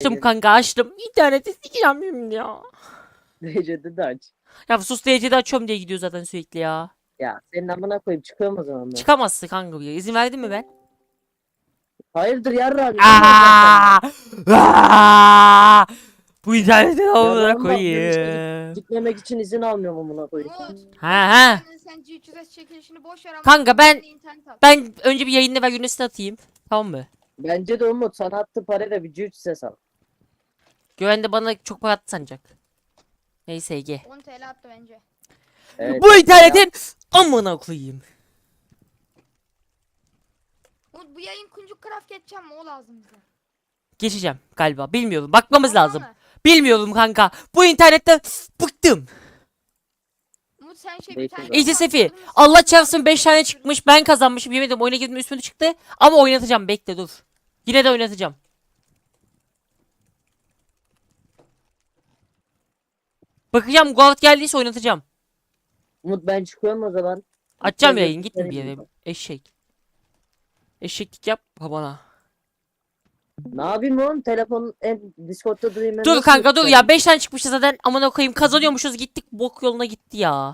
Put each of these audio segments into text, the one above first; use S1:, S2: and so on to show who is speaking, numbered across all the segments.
S1: Açtım kanka açtım. İnterneti sikeceğim şimdi ya.
S2: Derecede de aç.
S1: Ya sus derecede açıyorum diye gidiyor zaten sürekli ya.
S2: Ya senin amına koyup çıkıyorum o zaman ben.
S1: Çıkamazsın kanka buraya. İzin verdin mi ben?
S2: Hayırdır yarrağım.
S1: Aa! Aa! Bu interneti amına
S2: Yarrağım bak ben işte
S1: koyayım.
S2: gitmemek için izin almıyorum amına koyayım.
S3: Umut.
S1: Ha.
S3: Sen G3S çekilişini boş ver ama.
S1: Kanka ben-
S3: internet al.
S1: Ben önce bir yayında ver Yunus'u atayım. Tamam mı?
S2: Bence de Umut sana attı parayla bir cüç ses al.
S1: Güven de bana çok para attı sanacak. Neyse Ege.
S3: 10 TL attı bence.
S2: Evet,
S1: Bu internetin amına koyayım.
S3: Umut bu yayın kuncuk craft geçeceğim mi? O lazım bize.
S1: Geçeceğim galiba. Bilmiyorum. Bakmamız
S3: Vallahi
S1: lazım.
S3: mi?
S1: Bilmiyorum kanka. Bu internette bıktım.
S3: Umut sen şey bir
S2: Bekle
S3: tane.
S2: bakalım.
S1: İTSF'i. Allah çarpsın 5 tane çıkmış. Ben kazanmışım. Yemedim. Oyuna girdim üstüne çıktı. Ama oynatacağım. Bekle dur. Yine de oynatacağım. Bakacağım. Guard geldiyse oynatacağım.
S2: Umut ben çıkıyorum o zaman.
S1: Açacağım
S2: Şöyle
S1: yayın.
S2: bir
S1: Gitme bir
S2: tane
S1: yere. Eşek. Eşeklik yap bana.
S2: Ne yapayım oğlum? Telefon Discord'da durayım ben.
S1: Dur
S2: nasıl
S1: kanka dur ya.
S2: yapacağım?
S1: 5 tane çıkmıştı zaten. Amına koyayım. Kazanıyormuşuz. Gittik. Bok yoluna gitti ya.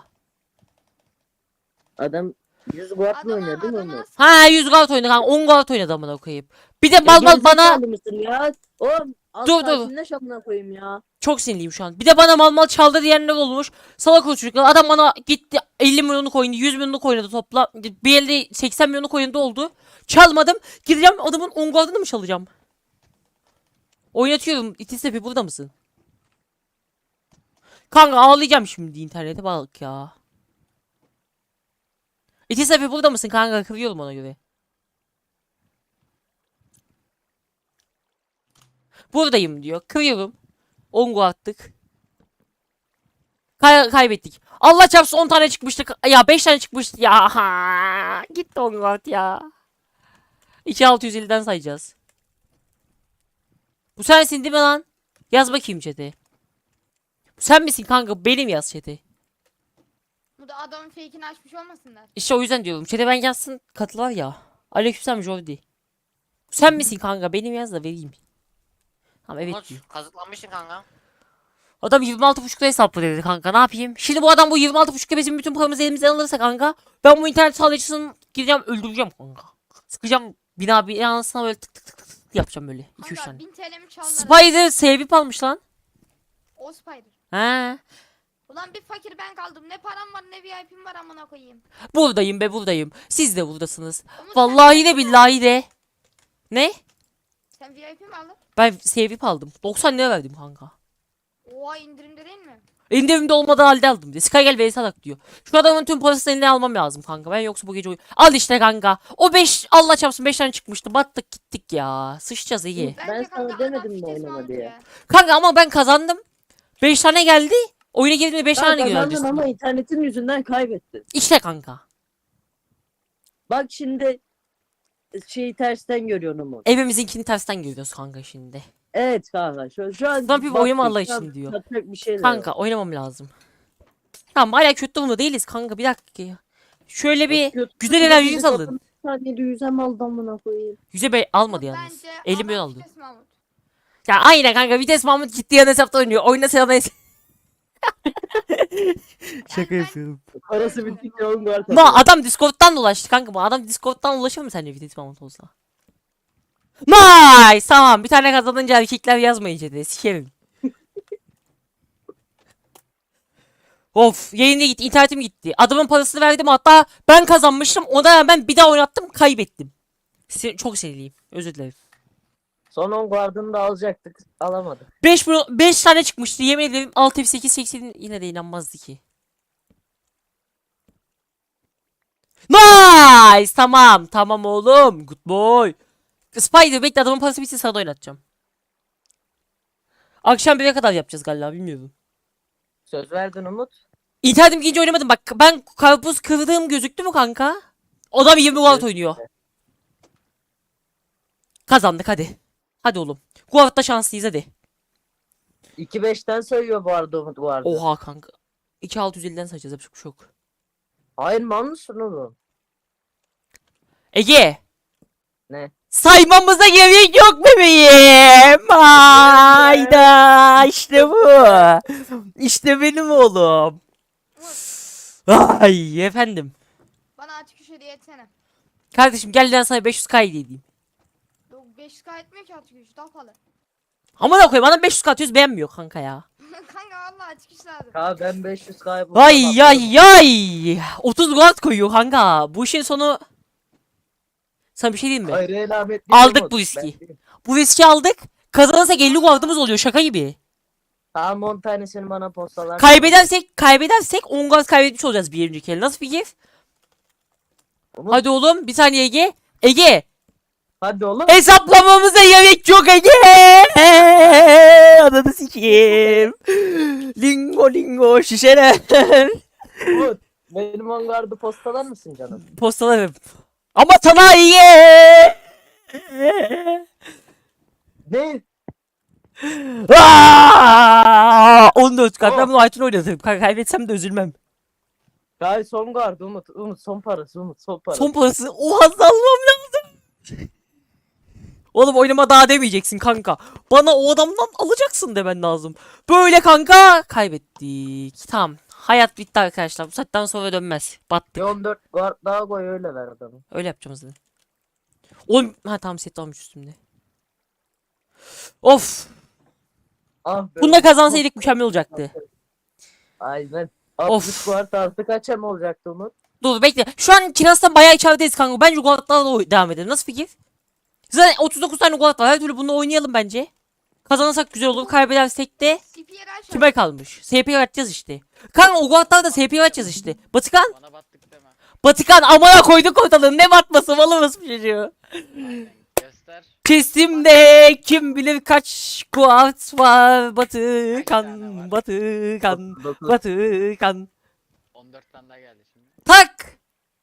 S2: Adam 100 guardla oynuyor değil mi Umut?
S1: Ha 100 guard oynadı kanka. 10 guard oynadı amına koyayım. Bir de bal bal bana.
S2: Gerizekalı mısın ya? Oğlum az
S1: Dur, dur.
S2: sakinleş amına koyayım ya.
S1: Çok sinirliyim şu an. Bir de bana mal mal çaldı diyenler olmuş. Salak o çocuklar. Adam bana gitti 50 milyonluk oynadı, 100 milyonluk oynadı topla. Bir elde 80 milyonluk oynadı oldu. Çalmadım. Gideceğim adamın 10 guardını mı çalacağım? Oynatıyorum. İtisepi burada mısın? Kanka ağlayacağım şimdi internete bak ya. İtisepi burada mısın kanka? Kırıyorum ona göre. Buradayım diyor. Kırıyorum. 10 guardlık. Kaybettik. Allah çarpsın 10 tane çıkmıştı. Ya 5 tane çıkmıştı ya. Ha, gitti 10 guard ya. 2650'den sayacağız. Bu sensin değil mi lan? Yaz bakayım chat'e. Bu sen misin kanka? Benim yaz chat'e.
S3: Bu da adamın fake'ini açmış olmasınlar.
S1: İşte o yüzden diyorum. Chat'e ben yazsın katılar ya. Aleykümselam Jordi. Bu sen misin kanka? Benim yaz da vereyim. Tamam evet
S4: Umut
S1: diyor.
S4: kazıklanmışsın kanka.
S1: Adam 26.5'da hesaplı dedi kanka ne yapayım? Şimdi bu adam bu 26.5'a bizim bütün paramızı elimizden alırsa kanka. Ben bu internet sağlayıcısını gideceğim öldüreceğim kanka. Sıkacağım binasına böyle tık tık tık tık yapacağım böyle. 2-3
S3: Kanka
S1: tane.
S3: 1000 TL mi çaldılar?
S1: Spider sevip almış lan.
S3: O Spider.
S1: He.
S3: Ulan bir fakir ben kaldım. Ne param var ne VIP'm var amına koyayım.
S1: Buradayım be buradayım. Siz de buradasınız.
S3: Umut,
S1: Vallahi de billahi de. Ne?
S3: Sen VIP mi aldın?
S1: Ben sevip aldım. 90 lira verdim kanka.
S3: Oha indirimde değil mi?
S1: Elimde olmadığı halde aldım diye. Sky gel vs atak diyor. Şu adamın tüm parasını eline almam lazım kanka. Ben yoksa bu gece Al işte kanka. O 5 Allah çarpsın 5 tane çıkmıştı. Battık gittik ya. Sıçacağız iyi.
S2: Ben
S3: Bence
S2: sana
S3: kanka
S2: demedim
S3: adam
S2: mi
S3: fites
S2: oynama
S3: Mahmut
S2: diye?
S3: ya.
S1: Kanka ama ben kazandım. 5 tane geldi. Oyuna girdiğimde 5
S2: Ben
S1: tane
S2: kazandın
S1: geldi.
S2: ama internetin yüzünden kaybettin.
S1: İşte kanka.
S2: Bak şimdi şeyi tersten görüyorsun Umut.
S1: Evimizinkini tersten görüyoruz kanka şimdi.
S2: Evet kanka şu an
S1: Lan bir
S2: bak
S1: oynama
S2: bir,
S1: Allah
S2: şu an
S1: için diyor.
S2: katacak bir şeyler
S1: Kanka
S2: var.
S1: oynamam lazım. Tamam hala kötü durumda değiliz kanka bir dakika ya. Şöyle bir
S2: Kötü
S1: güzel
S2: kötü
S1: enerjini
S2: bir
S1: salın.
S2: kadın saniyede yüzem aldı amına koyayım.
S1: Yüze bey almadı
S3: Umut,
S1: yalnız.
S3: bence
S1: 50 milyon
S3: adam
S1: aldı.
S3: fites Mahmut.
S1: Ya aynen kanka vites Mahmut ciddi yan hesapta oynuyor. Oyna sen ona Şaka
S3: ben-
S1: yapıyorum.
S2: Parası bittikçe oğlum var.
S1: Ma adam Discord'dan dolaştı kanka bu. Adam Discord'dan ulaşır mı sence vites Mahmut olsa? Nice tamam bir tane kazanınca erkekler yazmayın chat'e sikerim. Of yayında gitti internetim gitti. Adamın parasını verdim hatta ben kazanmıştım ona rağmen bir daha oynattım kaybettim. Çok sinirliyim özür dilerim.
S2: Son 10 guardını da alacaktık. Alamadık.
S1: 5 tane çıkmıştı yemin ederim 6 8 80 yine de inanmazdı ki. Nice tamam oğlum good boy. Spider bekle adamın parası bitsin sana da oynatacağım. Akşam 1'e kadar yapacağız galiba bilmiyorum.
S2: Söz verdin Umut.
S1: İnternetim gidince oynamadım bak ben karpuz kırdığım gözüktü mü kanka? Adam 20 guard oynuyor. Kazandık hadi. Hadi oğlum. Guard'da şanslıyız hadi.
S2: 2-5'ten sayıyor bu arada Umut guardı.
S1: Oha kanka. 2650'den sayacağız yapacak bir şey yok.
S2: Hayır mal mısın oğlum?
S1: Ege.
S2: Ne?
S1: Saymamıza gerek yok bebeğim. Hayda işte bu. İşte benim oğlum. Ay efendim.
S3: Bana açık üç hediye etsene.
S1: Kardeşim gel ben sana 500k hediye edeyim.
S3: Yok 500k etmiyor ki açık üç daha pahalı.
S1: Ama da koyayım adam 500k atıyoruz beğenmiyor kanka ya.
S3: Kanka valla açık üç lazım.
S2: Ya ben 500 kaybol.
S1: Ay ay ay. 30 gold koyuyor kanka. Bu işin sonu. Sana bir şey diyeyim mi?
S2: Hayır elametli.
S1: Aldık bu riski. Bu riski aldık. Kazanırsak 50 gold'umuz oluyor şaka gibi.
S2: Tamam 10 tanesini bana postalar.
S1: Kaybedersek 10 gold kaybetmiş olacağız bir önceki el. Nasıl fikir?
S2: Umut,
S1: Hadi oğlum bir saniye Ege. Ege.
S2: hadi oğlum.
S1: Hesaplamamıza gerek yok Ege. Ananı sikeyim. Lingo lingo şişeler.
S2: Umut, benim ongardı postalar mısın canım?
S1: Postalarım. Ama sana iyi.
S2: Ne?
S1: 14 kat. Ben bunu Aytun oynatırım. Kaybetsem de üzülmem.
S2: Gay son gardı Umut. Umut son parası Umut son parası.
S1: Son parası. Oha salmam lazım. Oğlum oynama daha demeyeceksin kanka. Bana o adamdan alacaksın demen lazım. Böyle kanka kaybettik. Tamam. Hayat bitti arkadaşlar. Bu saatten sonra dönmez. Battık.
S2: Bir 14 guard daha koy öyle ver adamı.
S1: Öyle yapacağım zaten. Oğlum ha tamam set almış üstümde. Of.
S2: Ah be.
S1: Bunda kazansaydık mükemmel olacaktı.
S2: Aynen.
S1: Of.
S2: 60 guard artı kaça mı olacaktı Umut?
S1: Dur bekle. Şu an Kiras'tan bayağı içerideyiz kanka. Bence Guard'larla devam edelim. Nasıl fikir? Zaten 39 tane Guard var. Her türlü bunu oynayalım bence. Kazanırsak güzel olur. Kaybedersek de
S3: CP'ye aç.
S1: kime kalmış? SP'ye açacağız işte. Kanka o Guard'lar da SP'ye açacağız işte. Batıkan.
S4: Bana battık deme.
S1: Batıkan amına koyduk ortalığı. Ne batması malımız bir çocuğu.
S4: Aynen. Göster.
S1: Kesimde kim bilir kaç Guard var. Batıkan.
S4: var?
S1: Batıkan.
S2: 9.
S1: Batıkan.
S4: 14 tane daha geldi şimdi.
S1: Tak.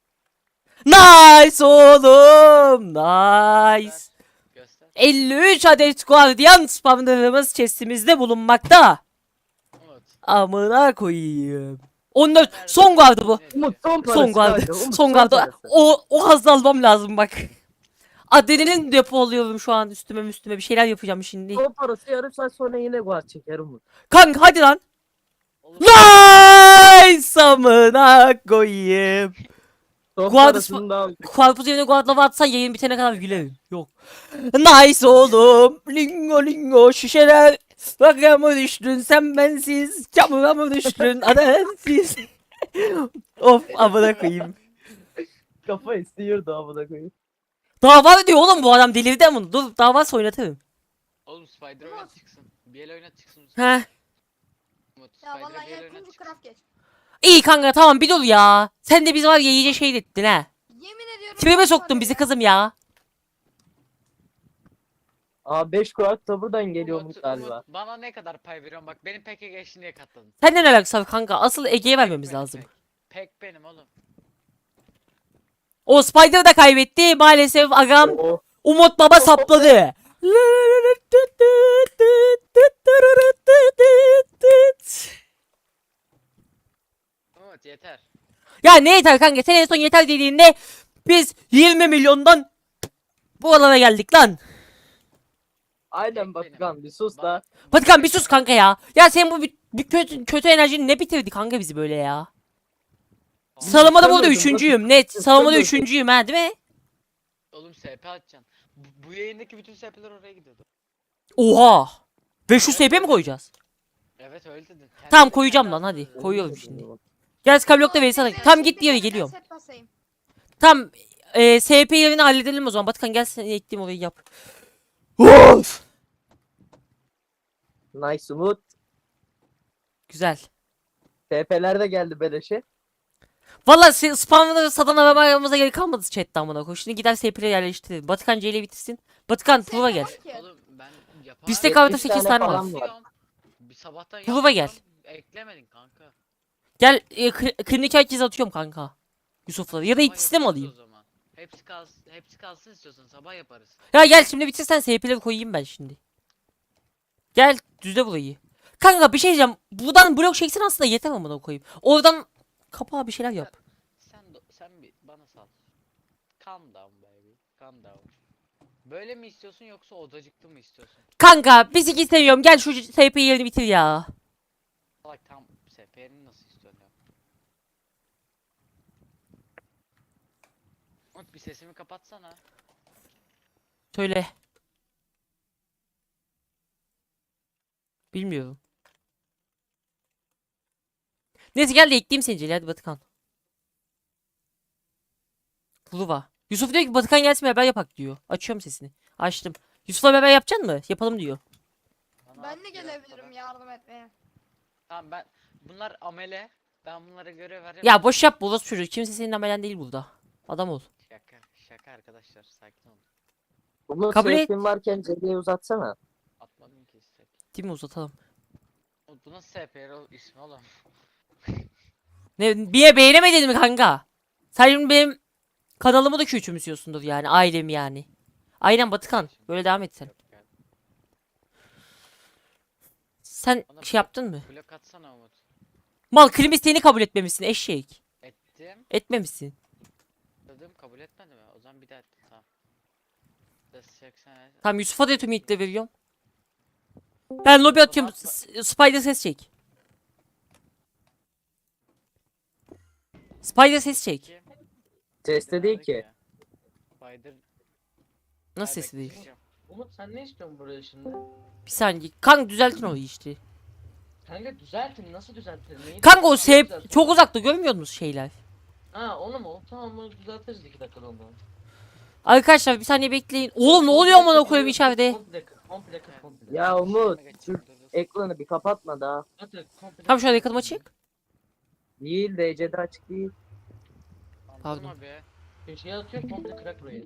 S1: Nice oğlum. Nice.
S4: Göster.
S1: 53 adet Guardian spamlarımız chestimizde bulunmakta.
S4: Umut.
S1: Amına koyayım. 14 son guardı bu.
S2: Umut son parası.
S1: Son guardı.
S2: kanka, Umut,
S1: Son guardı.
S2: parası.
S1: O hızlı almam lazım bak. Adrenalin depoluyorum şu an üstüme bir şeyler yapacağım şimdi.
S2: Son parası yarım saat sonra yine guard çeker Umut.
S1: Kanka hadi lan.
S4: Oğlum,
S1: Nice amına koyayım.
S2: Son
S1: Guard-
S2: parasını da al.
S1: Karpuz yerine guardlava atsan yayın bitene kadar gülerim. Yok. Nice oğlum. Lingo lingo şişeler. Bakıya mı düştün sen bensiz. Çamura mı düştün adamsiz. Of amına koyayım.
S2: Kafa istiyordu amına koyayım.
S1: Daha var diyor oğlum bu adam delirdi ama. Dur daha varsa oynatırım.
S4: Oğlum Spider oynat çıksın. Bir el oynat çıksın.
S1: He.
S4: Umut
S3: Ya
S4: Spider
S3: vallahi
S4: bir el
S3: ya
S4: oynat
S3: kuncu
S4: çıksın.
S3: craft geç.
S1: İyi kanka tamam bir dur ya. Sen de biz var ya iyice şey ettin ha.
S3: Yemin ediyorum.
S1: Tribe
S3: bu
S1: soktun
S3: var
S1: bizi
S3: ya.
S1: kızım ya.
S2: Aa 5 guard da buradan geliyor
S4: Umut,
S2: Umut galiba.
S4: Umut, bana ne kadar pay veriyorsun? Bak benim peke geçti niye katladın?
S1: Senden alakası var kanka. Asıl Ege'ye vermemiz
S4: Benim
S1: lazım.
S4: pek. Pek benim oğlum.
S1: O Spider da kaybetti maalesef agam.
S2: Oo.
S1: Umut Baba sapladı.
S4: Umut yeter.
S1: Ya ne yeter kanka sen en son yeter dediğinde biz 20 milyondan bu alana geldik lan.
S2: Aynen Batıkan bir sus da.
S1: Batıkan bir sus kanka ya. Ya sen bu bir kötü enerjini ne bitirdi kanka bizi böyle ya. Sıralamada burada
S2: Istemiyordum,
S1: üçüncüyüm net. Sıralamada
S2: istemiyordum.
S1: üçüncüyüm ha değil mi?
S4: Oğlum SP atacaksın. Bu yayındaki bütün SP'ler oraya gidiyordu.
S1: Oha. 500 SP mi koyacağız?
S4: Evet öyle dedin. Kendi
S1: Tamam
S4: de
S1: koyacağım
S4: kendi
S1: lan
S4: attın
S1: hadi.
S4: öyle.
S1: Koyuyorum şimdi. Gel Skyblock'ta Veysel
S3: Bekle,
S1: Tam git
S3: bekle,
S1: diğeri
S3: ben
S1: geliyorum.
S3: set basayım.
S1: Tam SP yerini halledelim o zaman. Batıkan gel seni ekleyeyim orayı yap. Of.
S2: Nice Umut.
S1: Güzel.
S2: TP'ler de geldi beleşe.
S1: Valla spamları satan aramamıza gerek kalmadı chatten amına koy. Şimdi gider SP'leri yerleştirelim. Batıkan C ile bitirsin. Batıkan
S3: Set
S1: Prova gel.
S3: yok ki.
S4: Oğlum ben yapamam.
S1: Bizde kahvede
S2: 70
S1: 8
S2: tane
S1: tane var.
S2: falan var.
S4: Bir sabahtan
S1: Prova gel.
S4: yaptım, eklemedin kanka.
S1: Gel klinik herkes atıyorum kanka. Yusuf'la. Ya da
S4: Sabah
S1: ikisi de mi
S4: yaparız
S1: alayım?
S4: o zaman. Hepsi kalsın istiyorsan sabah yaparız.
S1: Ya gel şimdi bitirsen SP'leri koyayım ben şimdi. Gel düzle burayı. Kanka bir şey diyeceğim. Buradan blok çeksin aslında yeter amına koyayım. Oradan kapağa bir şeyler yap.
S4: Sen bir bana sal. Calm down baby. Calm down. Böyle mi istiyorsun yoksa odacıklı mı istiyorsun?
S1: Kanka biz iki seviyorum. Gel şu SP yerini bitir ya.
S4: Bak tam SP'ni nasıl istiyorsun ya? Umut bir sesimi kapatsana.
S1: Söyle. Bilmiyorum. Neyse gel de ekleyeyim seni Celil, hadi Batıkan. Puluva. Yusuf diyor ki Batıkan gelsin beraber yapak diyor. Açıyorum sesini. Açtım. Yusuf'la beraber yapacaksın mı? Yapalım diyor.
S4: Bana
S3: Ben
S4: at
S3: de
S4: biraz
S3: gelebilirim
S4: para.
S3: yardım etmeye.
S4: Tamam bunlar amele. Ben bunlara görev vereyim.
S1: Ya boş yap bu çocuğu. Kimse senin amelen değil burada. Adam ol.
S4: Şaka arkadaşlar sakin olun.
S2: Umut
S1: Kabul et.
S2: seyfin varken Cedi'yi uzatsana.
S4: Atmadım ki istek.
S1: Değil mi, uzatalım.
S4: Bu nasıl SP ismi oğlum?
S1: Ne, bir beğenemedin mi kanka? Sen şimdi benim kanalımı da küçümsüyorsundur yani. Ailemi yani. Aynen Batıkan. Böyle devam et sen.
S4: Yok ya.
S1: Sen
S4: Bana
S1: şey yaptın mı?
S4: blok atsana Umut.
S1: Mal klim isteğini kabul etmemişsin eşek.
S4: Ettim.
S1: Etmemişsin.
S4: Dedim kabul etmedi mi? O zaman bir daha ettim tamam. 80.
S1: Tamam Yusuf'a da tüm ilkle veriyorum. Ben lobi atıyorum. Spider ses çek. Spider ses çek.
S2: Seste değil ki.
S4: Spider.
S1: Nasıl sesi değil?
S5: Umut sen ne istiyorsun buraya şimdi?
S1: Bir saniye. Kanka düzeltin o işte.
S5: Kanka düzeltin nasıl düzeltin? Neyi
S1: Kanka o
S5: düzeltin?
S1: sep çok uzakta, görmüyor musunuz şeyler?
S5: Ha onu mu? Tamam onu düzeltiriz 2 dakikada onu.
S1: Arkadaşlar bir saniye bekleyin. Oğlum ne oluyor amına koyayım içeride?
S5: Komple kır, komple kır, komple.
S2: Ya Umut
S4: Şeyime
S2: şu
S4: geçeceğim, dur.
S2: ekranı bir kapatma daha.
S5: Hadi, komple
S1: Tamam şu an
S5: kır.
S1: yakınıma çık.
S2: Değil DC'de açık değil.
S1: Pardon.
S4: Durma be.
S5: Köşeye atıyor komple kırak burayı.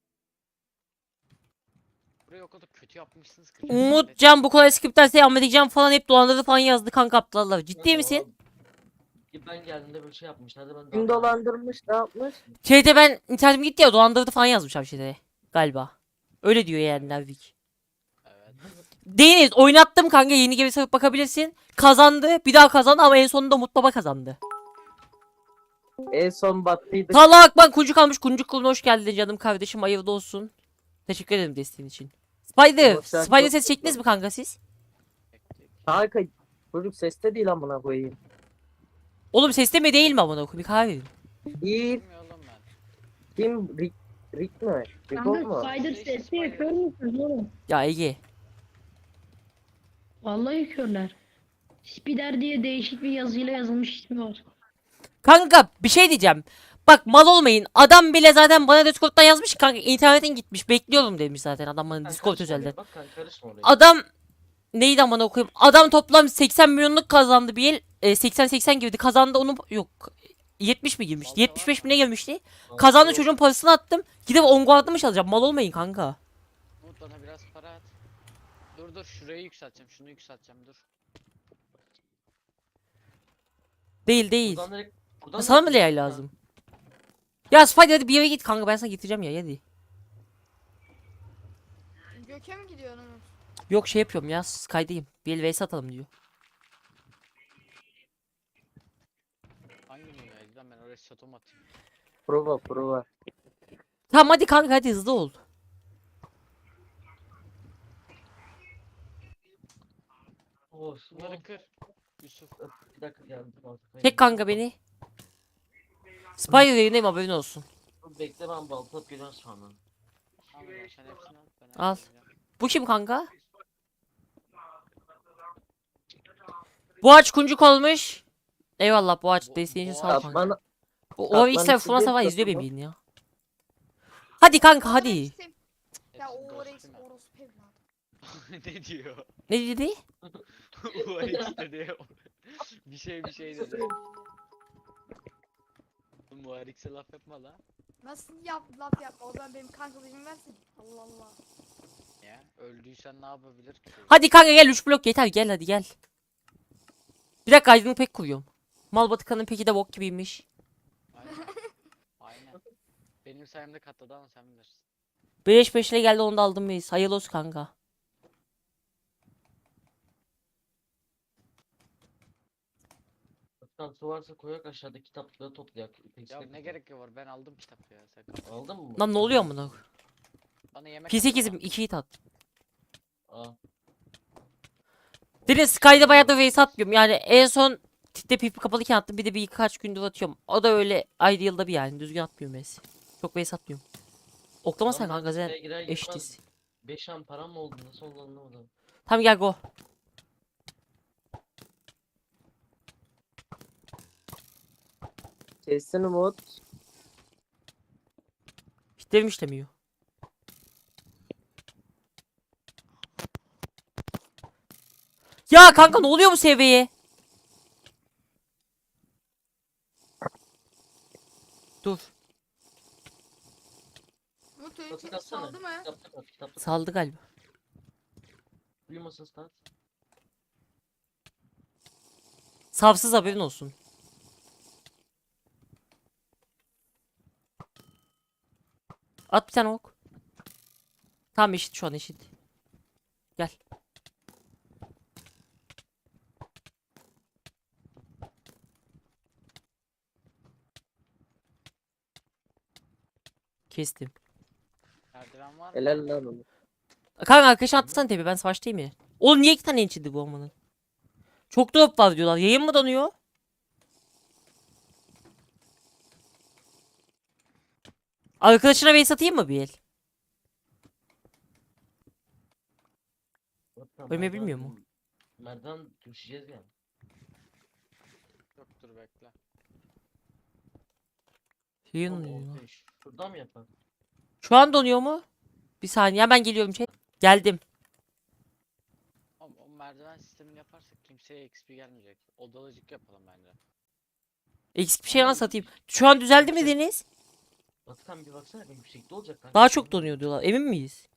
S4: Burayı o kadar kötü yapmışsınız ki.
S1: Umutcan bu kolay skriptlerse Ahmetcan falan hep dolandırdı falan yazdı kanka aptallar. Ciddi
S5: Kanka,
S1: misin?
S5: Ben geldiğimde böyle şey yapmışlardı ben
S2: Kim
S5: daha-
S2: dolandırmış ne yapmış?
S1: Şeyde ben internetim gitti ya, dolandırdı falan yazmış abi şeyde. Galiba. Öyle diyor yani Nervik.
S4: Evet.
S1: Deniz oynattım kanka, yeni gibi sarıp bakabilirsin. Kazandı, bir daha kazandı ama en sonunda Umut Baba kazandı.
S2: En son battıydı.
S1: Talak bak kuncuk almış, kuncuk kuluna hoş geldin canım kardeşim, hayırlı olsun. Teşekkür ederim desteğin için. Spider,
S2: Umut sen
S1: Spider
S2: çok-
S1: ses çektiniz mi kanka siz?
S2: Kanka çocuk seste değil amına koyayım.
S1: Oğlum sesli mi değil mi amına koyayım, bir kahve verin.
S2: Değil.
S4: Bilmiyorum oğlum ben.
S2: Kim? Rick mi? Rick
S6: Kanka
S2: mu?
S6: Spider
S4: Şey,
S6: sesi yapıyor musunuz oğlum?
S1: Ya Ege.
S6: Vallahi yapıyorlar. Spider diye değişik bir yazıyla yazılmış ismi var.
S1: Kanka bir şey diyeceğim. Bak mal olmayın. Adam bile zaten bana Discord'dan yazmış ki, kanka internetin gitmiş. Bekliyorum demiş zaten adam bana
S5: Kanka
S1: Discord
S5: karışma oraya,
S1: özelden.
S5: Bak kanka karışma oraya.
S1: Adam neydi amına okuyayım? Adam toplam 80 milyonluk kazandı bir el. 80-80 girdi. Kazandı onu yok. 70 mi girmişti?
S4: Vallahi
S1: 75 mi
S4: var
S1: ne girmişti? Kazandı, çocuğun parasını attım. Gidip onguardlı mı çalacağım? Mal olmayın kanka.
S4: Umut bana biraz para at. Dur şurayı yükselteceğim. Şunu yükselteceğim dur.
S1: Değil değil.
S5: Buradan
S1: Sana mı
S5: direkt-
S1: Leal lazım? Ya Spider hadi bir yere git kanka, ben sana getireceğim ya hadi.
S3: Göke mi gidiyorsun Umut?
S1: Yok şey yapıyorum ya, Sky'dayım. Bir el vs atalım diyor.
S4: Hangi dünyaydı lan ben oraya şatom atayım.
S2: Prova.
S1: Tamam hadi kanka, hadi hızlı ol.
S5: Of,
S4: Bunları kır. Yusuf.
S5: Bir dakika geldim.
S1: Çek kanka beni. Spider yerindeyim, haberin olsun.
S5: Bekle ben balta atıp geliyorum sonra.
S4: Al lan sen hepsini al. Ben
S1: Al.
S4: halledeceğim.
S1: Bu kim kanka? Bu ağaç kuncuk olmuş. Eyvallah bu ağaç
S4: Bu-
S1: desteğin için
S4: bu
S1: sağ ol
S4: ağaç-
S1: kanka.
S2: Atman
S1: O
S2: Atman
S1: X'ler
S2: için
S1: falan
S2: değil,
S1: sabah izliyor benim
S2: Katman.
S1: yayını ya. Hadi kanka hadi.
S3: Orex'im. Ya
S4: Hepsini
S3: o Orex
S4: dostum ben.
S3: orospu evladı.
S4: Ne diyor?
S1: Ne dedi?
S4: URX dedi. Bir şey dedi. Bu URX'e laf yapma la.
S3: Nasıl laf yapma, o zaman benim kankalığımı versin. Allah Allah.
S4: Ya öldüysen ne yapabilir ki?
S1: Hadi kanka gel, 3 blok yeter, gel hadi gel. Bir dakika aydınlık pek kuruyorum. Mal Batıkan'ın peki de bok gibiymiş.
S4: Aynen. Aynen. Benim sayemde katladı ama sen bilirsin.
S1: 5 ile geldi, onu da aldım biz. Hayırlı olsun kanka.
S5: Lütfen su varsa koyak aşağıda kitapları toplayak.
S4: Ya ne gerek var ben aldım kitap ya sen kal.
S5: Aldın mı?
S1: Lan ne oluyor amına?
S4: Bana yemek
S1: P8'im 2 hit at.
S5: Aa.
S1: Deniz Sky'da bayağı da face atmıyorum. Yani en son titte pipi kapalıyken attım. Bir de birkaç gündür atıyorum. O da öyle ayda yılda bir yani. Düzgün atmıyorum face. Çok face atmıyorum. Oklamasana
S5: Lan ben
S1: kanka sen
S5: sıraya girer girmez
S1: eşitiz.
S5: 5 an param mı oldu? Nasıl oldu anlamadım.
S1: Tamam gel go.
S2: Kesin Umut.
S1: Hitlerim işlemiyor. Ya kanka ne oluyor bu seviyeye? Dur.
S3: Umut
S5: Kitaplık
S3: öykü
S5: atsana.
S3: saldı mı?
S5: Kitaplık at. Kitaplık at.
S1: Saldı galiba.
S5: Uyumasın start.
S1: Savsız haberin olsun. At bir tane ok. Tamam eşit şu an eşit. Gel. Kestim.
S4: Merdiven var mı?
S2: Helal lan Umut.
S1: Kanka arkadaşına atlasana tepe ben savaştayım ya. Oğlum niye 2 tane enchildi bu olmanın? Çok drop var diyorlar. Yayın mı donuyor? Arkadaşına base atayım mı bir el?
S5: Zaten
S1: Ölmeyi
S5: merdiven-
S1: bilmiyor mu?
S5: Merdiven düşeceğiz ya.
S4: Yok dur bekle.
S1: Yayın
S5: Oğlum,
S1: donuyor.
S5: ortaya şuradan mı yapalım?
S1: Şu an donuyor mu? Bir saniye ben geliyorum şey. Geldim.
S4: O merdiven sistemini yaparsak kimseye XP gelmeyecek. Odalacık yapalım bence.
S1: Eksik bir şey nasıl satayım? Şu an düzeldi mi Deniz?
S5: Batıkan bir baksana benim yüksekte olacak kanka.
S1: Daha çok donuyor diyorlar. Emin miyiz?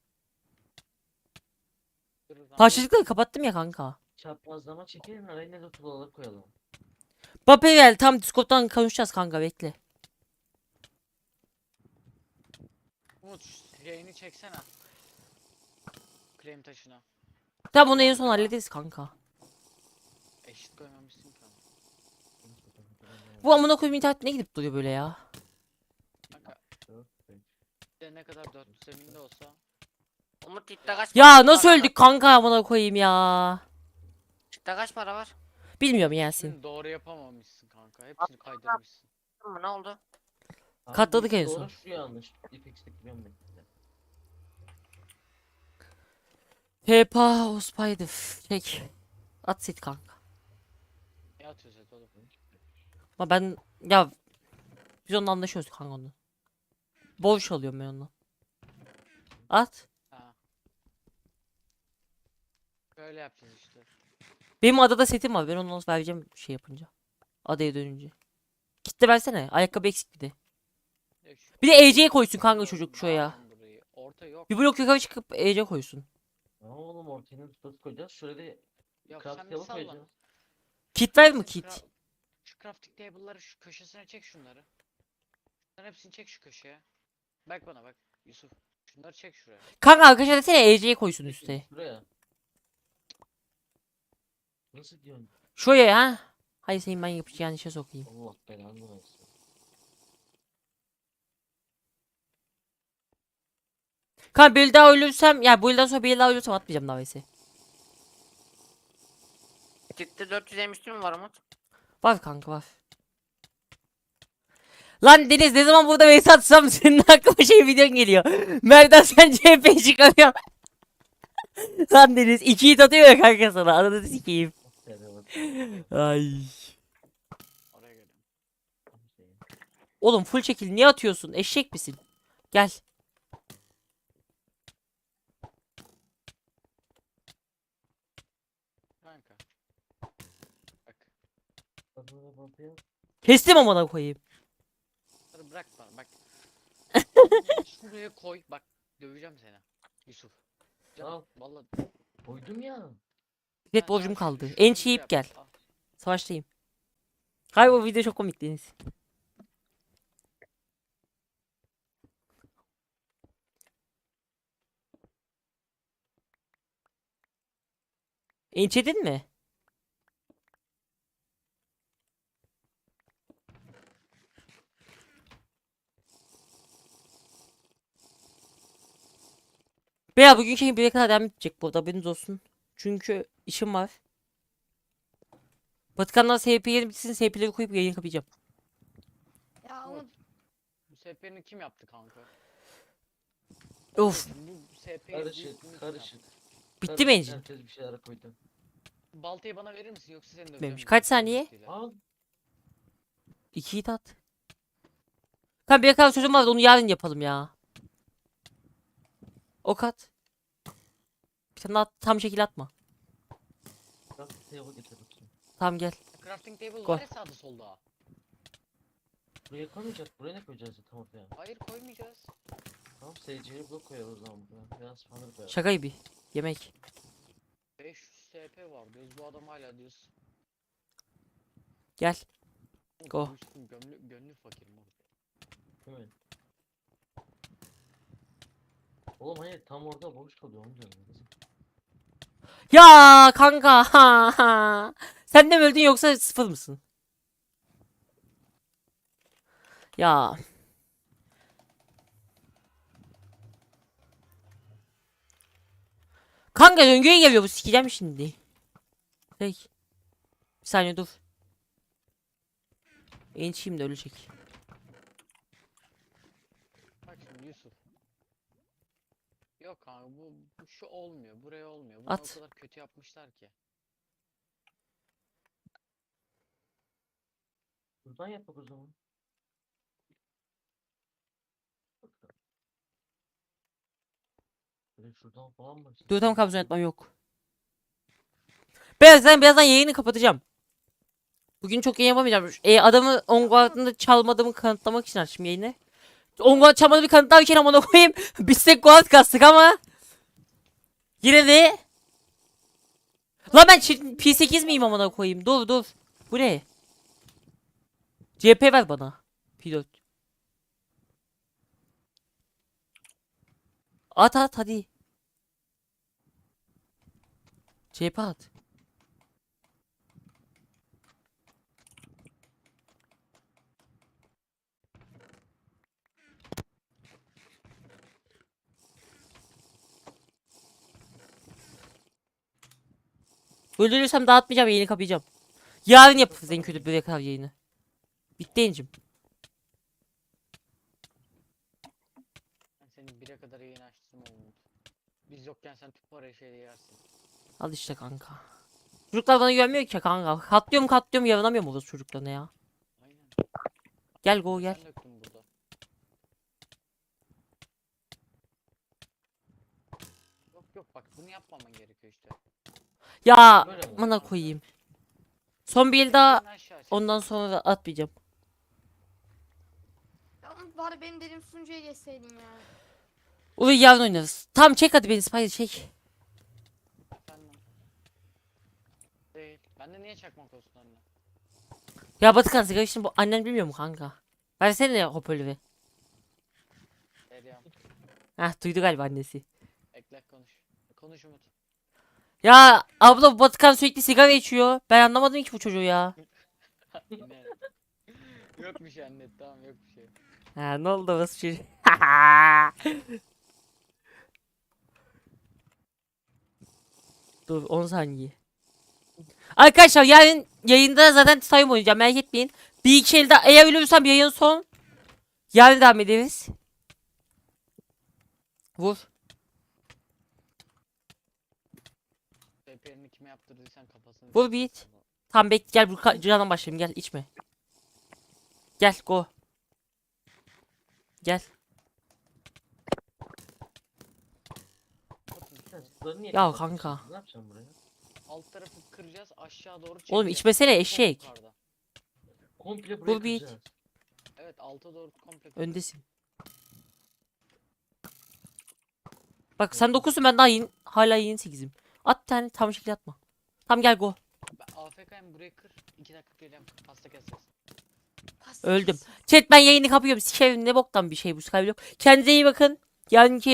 S4: Dur, o zaman
S1: Parçacıkları kapattım ya kanka.
S5: Çaprazlama çekelim araya de tuğlalar koyalım.
S1: Bape gel tam Discord'dan konuşacağız kanka bekle.
S4: Umut şu yayını çeksene. Krem taşına.
S1: Tamam onu en son hallederiz kanka.
S4: Eşit koymamışsın ki onu.
S1: Bu amına koyayım internet ne gidip duruyor böyle ya?
S4: Kanka bir de ne kadar 400 zeminde olsa.
S7: Umut Titte kaç
S1: Ya
S7: para
S1: nasıl
S7: var?
S1: öldük kanka amına koyayım ya?
S7: Titte kaç para var?
S1: Bilmiyorum Yasin.
S4: Hepsini doğru yapamamışsın kanka. Hepsini kaydırmışsın.
S7: Mı ne oldu?
S5: Abi
S1: Katladık
S5: bu
S1: en
S5: doğru,
S1: son.
S5: Şu yanlış. Dipex'te biliyorum ben.
S1: Peppa o spider. Çek. At sit kanka.
S4: Ne atıyoruz et oğlum?
S1: Ama ben ya biz onunla anlaşıyoruz kanka onu. Boş alıyorum ben onunla. At.
S4: Ha. Böyle yapacağız işte.
S1: Benim adada setim var. Ben onu nasıl vereceğim şey yapınca. Adaya dönünce. Kitle versene. Ayakkabı eksik bir de.
S4: Yok şu-
S1: Bir de EC'ye koysun kanka çocuk şuraya.
S4: Bağırın burayı. Orta yok.
S1: Bir blok yukarı çıkıp EC koysun.
S5: Aa oğlum ortaya tutası koyacağız. Şöyle de
S4: Yok
S5: craft
S4: sen bir
S5: table
S4: salla.
S5: koyacağız.
S1: Kit ver mi
S4: Sen
S1: kit?
S4: Şu crafting table'ları şu köşesine çek şunları. Sen hepsini çek şu köşeye. Bak bana bak Yusuf. Şunları çek şuraya.
S1: Kanka arkadaşlar desene EC'ye koysun üste.
S5: Şuraya. Nasıl diyorsun?
S1: Şuraya ha. Hayır senin ben yapacağın işe sokayım.
S5: Allah belanı versin.
S1: Kanka bir daha ölürsem ya bu yıldan sonra bir daha ölürsem atmayacağım davesi.
S7: Titte 450 üstü mü var Umut?
S1: Var kanka var. Lan Deniz ne zaman burada vs atsam senin aklıma şey videon geliyor. Merdan sen CHP çıkarıyor. Lan Deniz 2 hit atıyor ya kanka sana. Ananı sikeyim. Ay.
S4: Oraya geliyorum.
S1: Oğlum full çekil niye atıyorsun? Eşek misin? Gel.
S4: Kanka. Bak.
S1: Kestim amına koyayım.
S4: Bunları bırak bana bak. Şuraya koy. Bak döveceğim seni. Yusuf. Canım,
S5: Al.
S4: vallahi.
S5: Koydum ya.
S1: Bilet
S4: Ha,
S1: borcum
S4: şu-
S1: kaldı.
S4: şu
S1: En
S4: hızlı
S1: çiğip
S4: yap.
S1: gel.
S4: Al.
S1: Savaştayım. Hayır o video çok komik Deniz. Ençedin mi? Veya bugünkü yayın 1'e kadar devam edecek bu arada, haberiniz olsun. Çünkü işim var. Batıkan'dan SP yerim bitsin, SP'leri koyup yayın kapayacağım.
S3: Ya Umut
S4: Bu SP'ni kim yaptı kanka?
S1: Of.
S4: Bu SP'yi
S5: Karışık karışık.
S1: Bitti mi engine?
S5: Herkes bir şeyler koydu.
S4: Baltayı bana verir misin yoksa seni döveceğim.
S1: Bitmemiş.
S4: ben.
S1: Kaç saniye?
S4: Ultiyle.
S5: Al.
S1: 2'yi de at. Kanka bir kadar sözüm vardı, onu yarın yapalım ya. Ok at. Bir tane at, tam şekil atma.
S5: Bak table getir bakayım.
S1: Tamam gel.
S4: Crafting table
S1: Koy.
S4: var ya sağda solda.
S5: Buraya koymayacağız. Buraya ne koyacağız tam ortaya?
S4: Hayır koymayacağız.
S5: Tamam SC'ye blok koyalım o zaman buraya. Biraz spawner koyalım.
S1: Şaka gibi. Yemek.
S4: 500 SP var diyoruz bu adam hala diyoruz.
S1: Gel.
S4: Oğlum,
S1: Go.
S4: Yusuf'un gönlü fakir mi?
S5: Değil mi? Oğlum hayır tam orada boş kalıyor onu diyorum.
S1: Ya kanka. Ha, ha. Sen de mi öldün yoksa sıfır mısın? Ya. Kanka döngüye geliyor bu, sikeceğim şimdi. Peki. Bir saniye dur. Ençiyim de ölecek.
S4: Bak şimdi Yusuf. Yok kanka bu şu olmuyor buraya olmuyor. Bunu
S1: At.
S4: o kadar kötü yapmışlar ki.
S5: Buradan yapak o zaman. Böyle şuradan falan mı?
S1: Dur tam kabzon etmem yok. Birazdan yayını kapatacağım. Bugün çok yayın yapamayacağım. Adamı onguardında çalmadığımı kanıtlamak için açtım yayını. Onguard çalmadığımı bir kanıtlarken amına koyayım. Biz tek guard kastık ama. Yine de. Lan ben P8 miyim amına koyayım? Dur. Bu ne? CP ver bana. Pilot. At hadi. CP at. Öldürürsem dağıtmayacağım, yayını kapayacağım. Yarın yaparız en kötü bir kadar yayını. Bitti encim.
S4: Ben senin 1'e kadar yayın açtım oğlum. Biz yokken sen tüp parayı şeyde yersin.
S1: Al işte kanka. Çocuklar bana güvenmiyor ki kanka. Katlıyorum yaranamıyorum orası çocuklarına ya.
S4: Aynen.
S1: Gel go gel.
S4: Sen döktün burada. Yok bak bunu yapmaman gerekiyor işte.
S1: Ya
S5: Böyle mi?
S1: amına koyayım. Son bir el daha,
S4: Yayını aşağı çek.
S1: ondan sonra da atmayacağım.
S3: ya Umut bari benim dediğim sunucuya geçseydin ya.
S1: Ulan yarın oynarız. Tamam çek hadi beni, Spider çek.
S4: Efendim. Değil. Bende niye çakmak olsun anne?
S1: Ya Batıkan sigara için bu annen bilmiyor mu kanka? Versene hoparlörü.
S4: Deryam.
S1: Heh duydu galiba annesi.
S4: Ekle konuş. Konuş Umut.
S1: Ya abla bu Batıkan sürekli sigara içiyor. Ben anlamadım ki bu çocuğu ya.
S4: Yine. Yok bir şey anne tamam yok bir şey.
S1: Ha ne oldu orası çocuğu? Dur 10 saniye. Arkadaşlar yarın yayında zaten time oynayacağım, merak etmeyin. Bir iki elde eğer ölürsem yayın son. Yarın devam ederiz. Vur.
S4: SP'ni kime yaptırdıysan kafasını.
S1: Vur bir it. Tamam bek gel, bu candan başlayayım, gel içme. Gel go. Gel.
S5: Bunları niye
S1: Ya
S5: kapattın
S1: kanka.
S5: şimdi? Ne yapacağım buraya?
S4: Alt tarafı kıracağız aşağı doğru çekeceğiz.
S1: Oğlum içmesene
S4: Son
S1: eşek.
S4: yukarıda.
S5: Komple burayı
S1: Bu bir-
S5: kıracağız.
S4: Evet alta doğru komple.
S1: Öndesin. Bak sen 9'sun, ben daha hala yeni 8'im. At bir tane tam şekilde atma. Tamam gel go.
S4: Ben AFK'yim burayı kır. 2 dakika geleceğim. Pasta keseceğiz.
S1: Öldüm. Chat ben yayını kapıyorum. Sikerim ne boktan bir şey bu Skyblock. Kendinize iyi bakın. Yarınki